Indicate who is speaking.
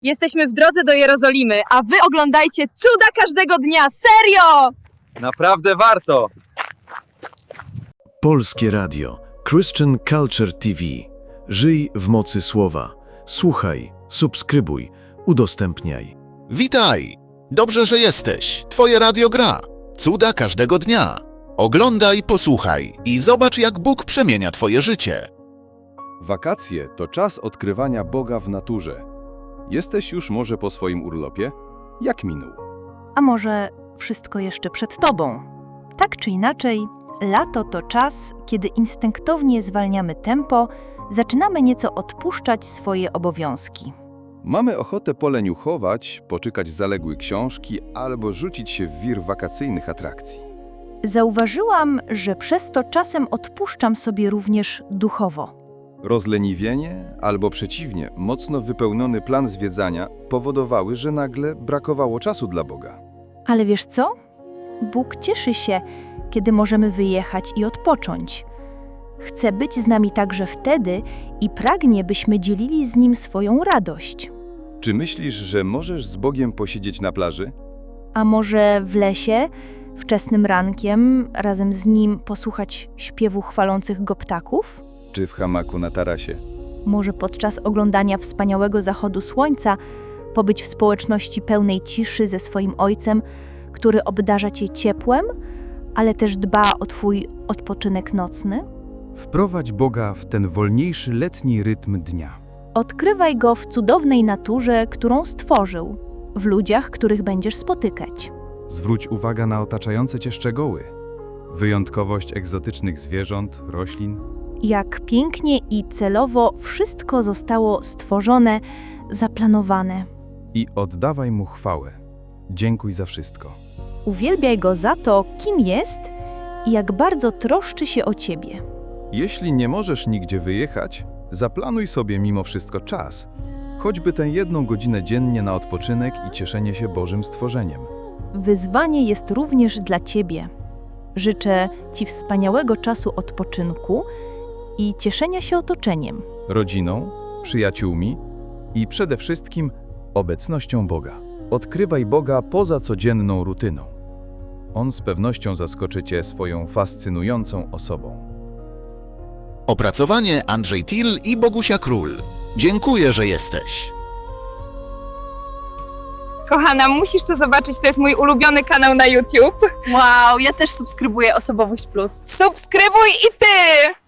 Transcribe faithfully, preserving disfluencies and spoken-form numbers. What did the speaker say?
Speaker 1: Jesteśmy w drodze do Jerozolimy, a wy oglądajcie cuda każdego dnia! Serio!
Speaker 2: Naprawdę warto!
Speaker 3: Polskie Radio, Christian Culture T V. Żyj w mocy słowa. Słuchaj, subskrybuj, udostępniaj.
Speaker 4: Witaj! Dobrze, że jesteś. Twoje radio gra. Cuda każdego dnia. Oglądaj, posłuchaj i zobacz, jak Bóg przemienia twoje życie.
Speaker 5: Wakacje to czas odkrywania Boga w naturze. Jesteś już może po swoim urlopie? Jak minął?
Speaker 6: A może wszystko jeszcze przed tobą? Tak czy inaczej, lato to czas, kiedy instynktownie zwalniamy tempo, zaczynamy nieco odpuszczać swoje obowiązki.
Speaker 5: Mamy ochotę poleniuchować, poczykać zaległe książki albo rzucić się w wir wakacyjnych atrakcji.
Speaker 6: Zauważyłam, że przez to czasem odpuszczam sobie również duchowo.
Speaker 5: Rozleniwienie albo przeciwnie, mocno wypełniony plan zwiedzania powodowały, że nagle brakowało czasu dla Boga.
Speaker 6: Ale wiesz co? Bóg cieszy się, kiedy możemy wyjechać i odpocząć. Chce być z nami także wtedy i pragnie, byśmy dzielili z Nim swoją radość.
Speaker 5: Czy myślisz, że możesz z Bogiem posiedzieć na plaży?
Speaker 6: A może w lesie, wczesnym rankiem, razem z Nim posłuchać śpiewu chwalących Go ptaków?
Speaker 5: Czy w hamaku na tarasie?
Speaker 6: Może podczas oglądania wspaniałego zachodu słońca pobyć w społeczności pełnej ciszy ze swoim Ojcem, który obdarza Cię ciepłem, ale też dba o Twój odpoczynek nocny?
Speaker 7: Wprowadź Boga w ten wolniejszy letni rytm dnia.
Speaker 6: Odkrywaj Go w cudownej naturze, którą stworzył, w ludziach, których będziesz spotykać.
Speaker 7: Zwróć uwagę na otaczające Cię szczegóły. Wyjątkowość egzotycznych zwierząt, roślin.
Speaker 6: Jak pięknie i celowo wszystko zostało stworzone, zaplanowane.
Speaker 7: I oddawaj Mu chwałę. Dziękuj za wszystko.
Speaker 6: Uwielbiaj Go za to, kim jest i jak bardzo troszczy się o Ciebie.
Speaker 5: Jeśli nie możesz nigdzie wyjechać,
Speaker 7: Zaplanuj sobie mimo wszystko czas, choćby tę jedną godzinę dziennie na odpoczynek i cieszenie się Bożym stworzeniem.
Speaker 6: Wyzwanie jest również dla Ciebie. Życzę Ci wspaniałego czasu odpoczynku i cieszenia się otoczeniem.
Speaker 7: Rodziną, przyjaciółmi i przede wszystkim obecnością Boga. Odkrywaj Boga poza codzienną rutyną. On z pewnością zaskoczy Cię swoją fascynującą osobą.
Speaker 4: Opracowanie Andrzej Till i Bogusia Król. Dziękuję, że jesteś.
Speaker 1: Kochana, musisz to zobaczyć, to jest mój ulubiony kanał na YouTube.
Speaker 8: Wow, ja też subskrybuję Osobowość Plus.
Speaker 1: Subskrybuj i ty!